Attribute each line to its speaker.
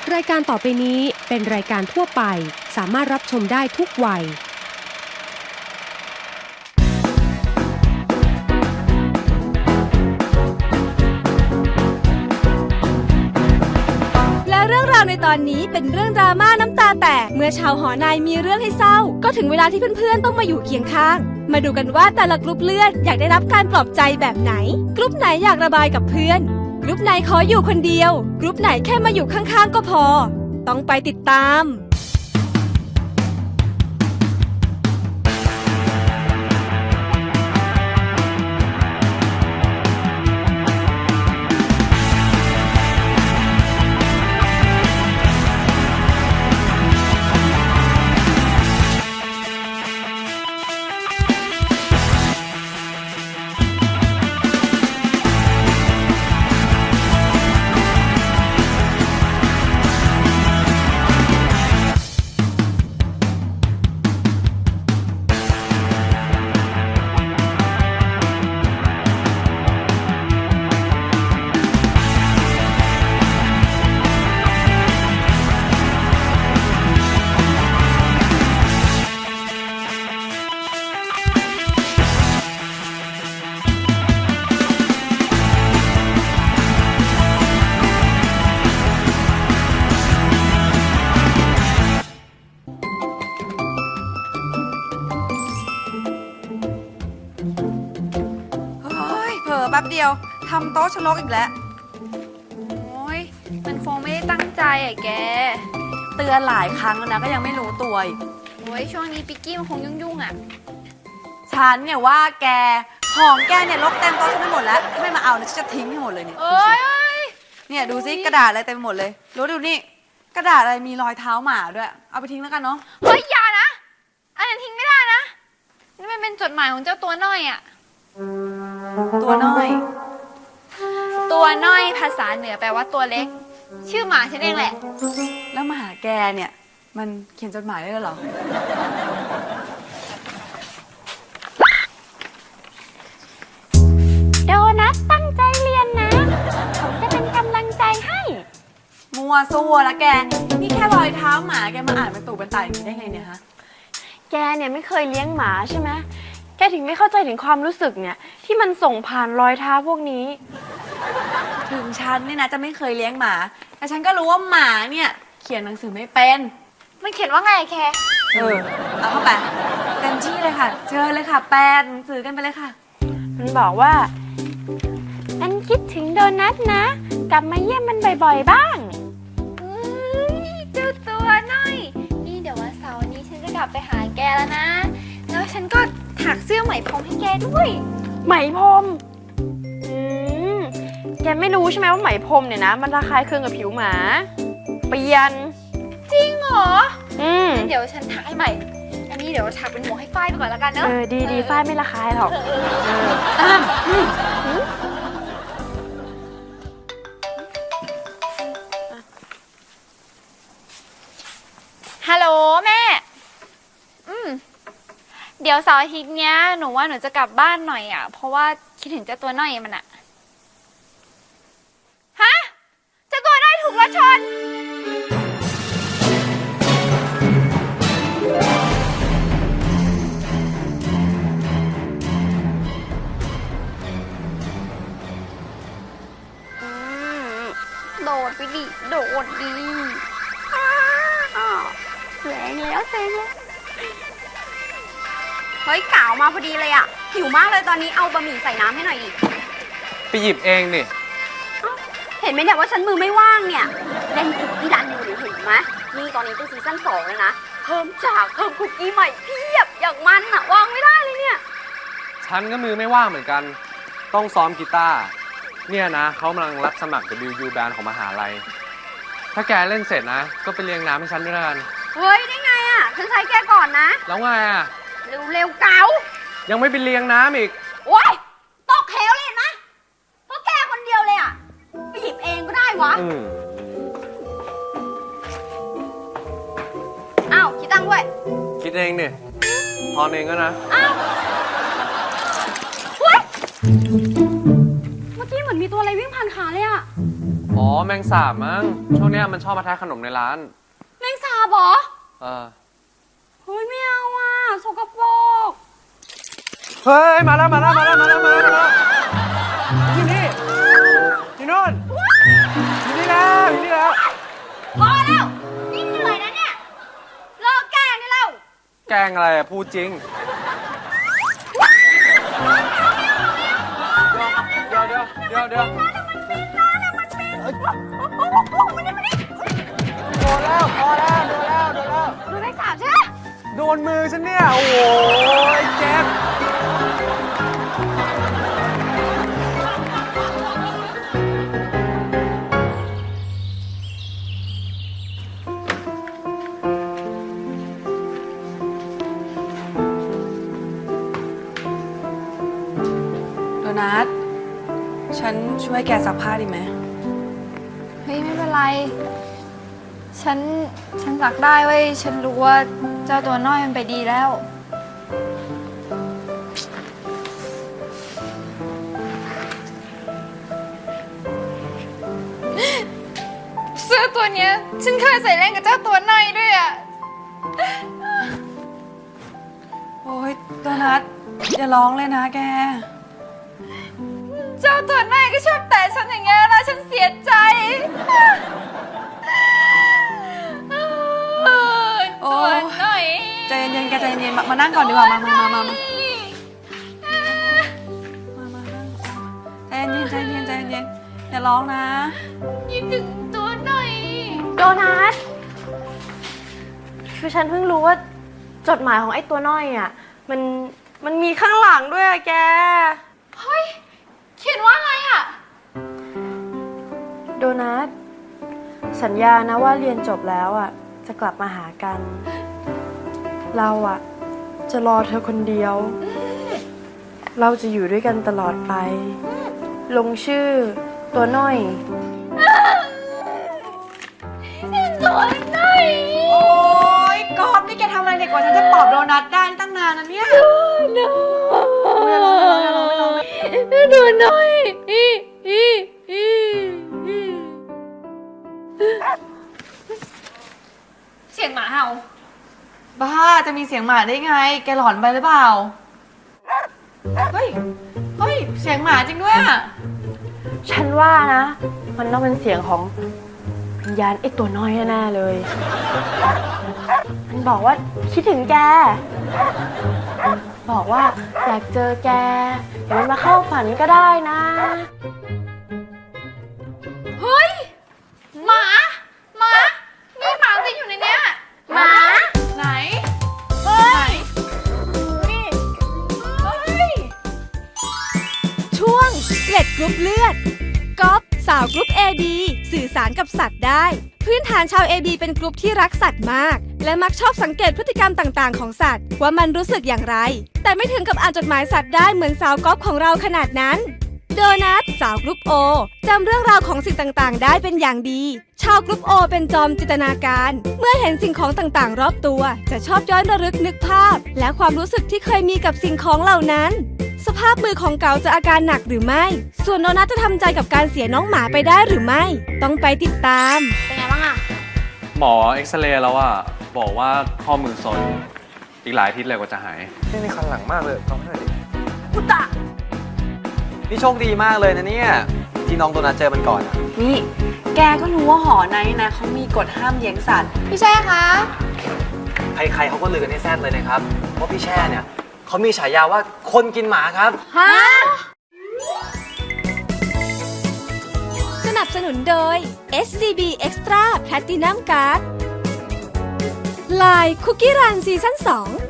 Speaker 1: รายการต่อไปนี้เป็นรายการทั่วไปสามารถรับชมได้ทุกวัย
Speaker 2: และเรื่องราวในตอนนี้เป็นเรื่องดราม่าน้ำตาแตกเมื่อชาวหอนายมีเรื่องให้เศร้าก็ถึงเวลาที่เพื่อนๆต้องมาอยู่เคียงข้างมาดูกันว่าแต่ละกรุ๊ปเลือดอยากได้รับการปลอบใจแบบไหนกรุ๊ปไหนอยากระบายกับเพื่อนกรุ๊ปไหนขออยู่คนเดียวกรุ๊ปไหนแค่มาอยู่ข้างๆก็พอต้องไปติดตาม
Speaker 3: แป๊บเดียวทำโต๊ะชะลกอีกแล้ว
Speaker 4: โอ้ยมันคงไม่ได้ตั้งใจอ่ะแก
Speaker 3: เตือนหลายครั้งแล้วนะก็ยังไม่รู้ตัวอีก
Speaker 4: โอ้ยช่วงนี้ปิกกี้มันคงยุ่งๆอ่ะ
Speaker 3: ฉันเนี่ยว่าแกของแกเนี่ยลกเต็มโต๊ะฉันไปหมดแล้วถ้าไม่มาเอาเนี่ยฉันจะทิ้งให้หมดเลยเนี่ยเนี่ยดูซิกระดาษอะไรเต็มไปหมดเลยรู้ดูนี่กระดาษอะไรมีรอยเท้าหมาด้วยเอาไปทิ้งแล้วกันเนาะ
Speaker 4: เฮ้ยอย่านะอันนั้นทิ้งไม่ได้นะนี่มันเป็นจดหมายของเจ้าตัวน้อยอ่ะ
Speaker 3: ตัวน้อย
Speaker 4: ตัวน้อยภาษาเหนือแปลว่าตัวเล็กชื่อหมาฉันเองแหละ
Speaker 3: แล้วหมาแกเนี่ยมันเขียนจดหมายได้เหรอ
Speaker 5: โดนัทตั้งใจเรียนนะผมจะเป็นกำลังใจให้
Speaker 3: มัวซัวละแกนี่แค่รอยเท้าหมาแกมาอ่านเป็นตู่เป็นตาอย่างนี้ได้ไงเนี่ยฮะ
Speaker 5: แกเนี่ยไม่เคยเลี้ยงหมาใช่ไหมแกถึงไม่เข้าใจถึงความรู้สึกเนี่ยที่มันส่งผ่านรอยเท้าพวกนี้
Speaker 3: ถึงฉันเนี่ยนะจะไม่เคยเลี้ยงหมาแต่ฉันก็รู้ว่าหมาเนี่ยเขียนหนังสือไม่เป็น
Speaker 4: มันเขียนว่าไงแค
Speaker 3: เอาเข้าไปเต็มที่เลยค่ะเชิญเลยค่ะแปลหนังสือกันไปเลยค่ะ
Speaker 5: มันบอกว่าอันคิดถึงโดนัทนะกลับมาเยี่ยมมันบ่อยๆบ้าง
Speaker 4: เจ้าตัวน้อยนี่เดี๋ยววันเสาร์นี้ฉันจะกลับไปหาแกแล้วนะแล้วฉันก็ถักเสื้อไหมพรมให้แกด้วย
Speaker 5: ไหมพรมแกไม่รู้ใช่ไหมว่าไหมพรมเนี่ยนะมันระคายเคืองกับผิวหมาเปลี่ยน
Speaker 4: จริงเหรอเดี๋ยวฉันถักให้ใหม่อันนี้เดี๋ยวถักเป็นหมวกให้ฝ้ายไปก่อนแล้วกันเนอะ
Speaker 5: ดีฝ้ายไม่ระคายหรอก
Speaker 4: ฮัลโหลแม่เดี๋ยวเสาร์อาทิตย์เนี้ยหนูว่าหนูจะกลับบ้านหน่อยอ่ะเพราะว่าคิดถึงเจ้าตัวน้อยมันอ่ะฮะเจ้าตัวน้อยถูกรถชนโดดไปดิโดดดิ
Speaker 5: แสงแล้ว
Speaker 2: เฮ้ยกล่าวมาพอดีเลยอ่ะหิวมากเลยตอนนี้เอาบะหมี่ใส่น้ำให้หน่อยอีก
Speaker 6: ไปหยิบเองนี่
Speaker 2: เห็นไหมเนี่ยว่าฉันมือไม่ว่างเนี่ยเล่นคุกกี้รันอยู่เห็นไหมนี่ตอนนี้เป็นซีซั่น2แล้วนะเพิ่มคุกกี้ใหม่เพียบอย่างมันอ่ะวางไม่ได้เลยเนี่ย
Speaker 6: ฉันก็มือไม่ว่างเหมือนกันต้องซ้อมกีตาร์เนี่ยนะเขากำลังรับสมัคร WU Band ของมหาลัยถ้าแกเล่นเสร็จนะก็ไปเลี้ยงน้ำให้ฉันด้วยกัน
Speaker 2: เฮ้ยได้ไงอ่ะฉันใช้แกก่อนนะ
Speaker 6: แล้วไงอ่ะ
Speaker 2: เร็วเก๋า
Speaker 6: ยังไม่ไปเลี้ยงน้ำอีก
Speaker 2: โอ๊ยตกเหวเลยนะเพราะแกคนเดียวเลยอ่ะไปหยิบเองก็ได้วะอ้าวคิดตังค์ด้วย
Speaker 6: คิดเองเนี่ยพอเองก็นะ
Speaker 2: อ้าวเมื่อกี้เหมือนมีตัวอะไรวิ่งผ่านขาเลยอ่ะ
Speaker 6: อ๋อแมงสาบมั้งช่วงเนี้ยมันชอบมาแทะขนมในร้าน
Speaker 4: แมงสาบเหรอ
Speaker 6: เออ
Speaker 4: เฮ้ยไม่เอาอ่ะสกปรก
Speaker 6: เฮ้ยมาแล้วอยู่นี่อยู่โน่นอยู่นี่แล้ว
Speaker 4: พอแล้วนี่เหนื่อยนะเนี่ยเลิกแกล้งได้แล้ว
Speaker 6: แกล้งอะไรอะพูดจริงเดี๋ยวพอแล้วโดนแล้ว
Speaker 4: ดูแมงสาบใช่ไหม
Speaker 6: โดนมือฉันเนี่ยโอ้โหเจ็บ
Speaker 3: โดนัท ฉันช่วยแกซักผ้าดีไหม
Speaker 4: เฮ้ยไม่เป็นไร ฉันสักได้เว้ย ฉันรู้ว่าเจ้าตัวน้อยมันไปดีแล้ว เสื้อตัวเนี้ย ฉันเคยใส่เล่นกับเจ้าตัวน้อยด้วยอ่ะ
Speaker 3: โอ้ยโดนัท อย่าร้องเลยนะแก
Speaker 4: เจ้าตัวน้อยก็ชอบแตะฉันอย่างเงี้ยนะฉันเสียใจ
Speaker 3: โอ้
Speaker 4: ตัวน้อย
Speaker 3: ใจเย็นๆแกใจเย็นๆมานั่งก่อนดีกว่า มาใจเย็นอย่าร้องนะ
Speaker 4: ยิ้มถึงตัวหน่อย
Speaker 5: โดนัท คือฉันเพิ่งรู้ว่าจดหมายของไอ้ตัวน้อยอ่ะ มันมีข้างหลังด้วยอะแก
Speaker 4: เฮ้ย เขียนว่าอะไรอ่ะ
Speaker 5: โดนัท สัญญานะว่าเรียนจบแล้วอ่ะ จะกลับมาหากัน เราอ่ะ จะรอเธอคนเดียว เราจะอยู่ด้วยกันตลอดไป ลงชื่อตัวน้อย
Speaker 4: ตัวหน่อย
Speaker 3: โอ้ยกอบนี่แกทำอะไรเนี่ยกว่าฉันจะปลอบโดนัทได้ตั้งนานนะเนี่ยอย่าร้องไม่ร้อง
Speaker 4: ตัวหน่อย เสียงหมาเห่า
Speaker 3: บ้าจะมีเสียงหมาได้ไง แกหลอนไปหรือเปล่า เฮ้ย เสียงหมาจริงด้วยอะ
Speaker 5: ฉันว่านะ มันต้องเป็นเสียงของวิญญาณไอ้ตัวน้อยแน่ๆเลย มันบอกว่าคิดถึงแก บอกว่าอยากเจอแก เดี๋ยวมันมาเข้าฝันก็ได้นะ
Speaker 4: เฮ้ย หมา นี่หมาติดอยู่ในเนี้ย
Speaker 5: หมา
Speaker 3: ไหน เฮ้ย
Speaker 2: ช่วงเกล็ดกรุ๊ปเลือดก๊อฟสาวกรุ๊ป AB สื่อสารกับสัตว์ได้ พื้นฐานชาว AB เป็นกรุ๊ปที่รักสัตว์มาก และมักชอบสังเกตพฤติกรรมต่างๆของสัตว์ว่ามันรู้สึกอย่างไร แต่ไม่ถึงกับอ่านจดหมายสัตว์ได้เหมือนสาวก๊อฟของเราขนาดนั้น โดนัทสาวกรุ๊ป O จำเรื่องราวของสิ่งต่างๆ ได้เป็นอย่างดี ชาวกรุ๊ป O เป็นจอมจินตนาการ เมื่อเห็นสิ่งของต่างๆ รอบตัว จะชอบย้อนระลึกนึกภาพ และความรู้สึกที่เคยมีกับสิ่งของเหล่านั้น สภาพมือของเก๋าจะอาการหนักหรือไม่ ส่วนโดนัทจะทำใจกับการเสียน้องหมาไปได้หรือไม่ ต้องไปติดตาม
Speaker 5: เป็นไงบ้างอะ
Speaker 6: หมอเอ็กซเรย์แล้วอะบอกว่าข้อมือซนอีกหลายอาทิตย์เลยกว่าจะหาย
Speaker 7: นี่คันหลังมากเลยลองให้หน่อยดิ
Speaker 3: อุตะ
Speaker 7: นี่โชคดีมากเลยนะเนี่ย ที่น้องโดนัทเจอมันก่อนอะ
Speaker 3: นี่ แกก็รู้ว่าหอในนะเขามีกฎห้ามเลี้ยงสัตว์
Speaker 4: พี่แช่คะ
Speaker 7: ใครๆเขาก็ลือกันให้แซ่ดเลยนะครับว่าพี่แช่เนี่ยเขามีฉายาว่าคนกินหมาครับ
Speaker 4: ฮะ
Speaker 2: สนับสนุนโดย SCB Extra Platinum Card ไลน์คุกกี้รันซีซั่น 2